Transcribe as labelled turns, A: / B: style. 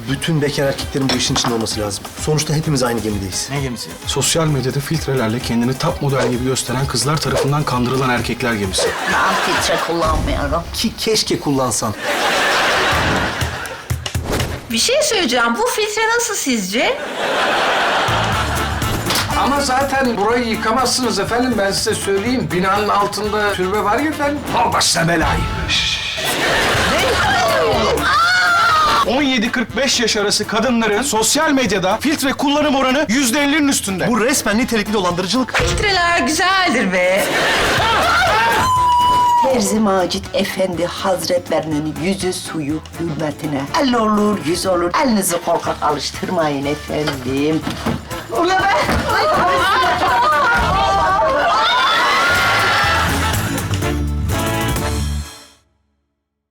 A: Bütün bekar erkeklerin bu işin içinde olması lazım. Sonuçta hepimiz aynı gemideyiz.
B: Ne gemisi?
C: Sosyal medyada filtrelerle kendini top model gibi gösteren kızlar tarafından kandırılan erkekler gemisi.
D: Ben filtre kullanmıyorum.
A: Ki keşke kullansan.
D: Bir şey söyleyeceğim. Bu filtre nasıl sizce?
E: Ama zaten burayı yıkamazsınız efendim, ben size söyleyeyim. Binanın altında türbe var ya efendim.
C: Al başına belayı. 17-45 yaş arası kadınların sosyal medyada filtre kullanım oranı %50'nin üstünde.
A: Bu resmen nitelikli dolandırıcılık.
D: Filtreler güzeldir be.
F: Terzi Macit Efendi Hazretlerinin yüzü suyu hürmetine. El olur, yüz olur. Elinizi korkak alıştırmayın efendim. Ula be!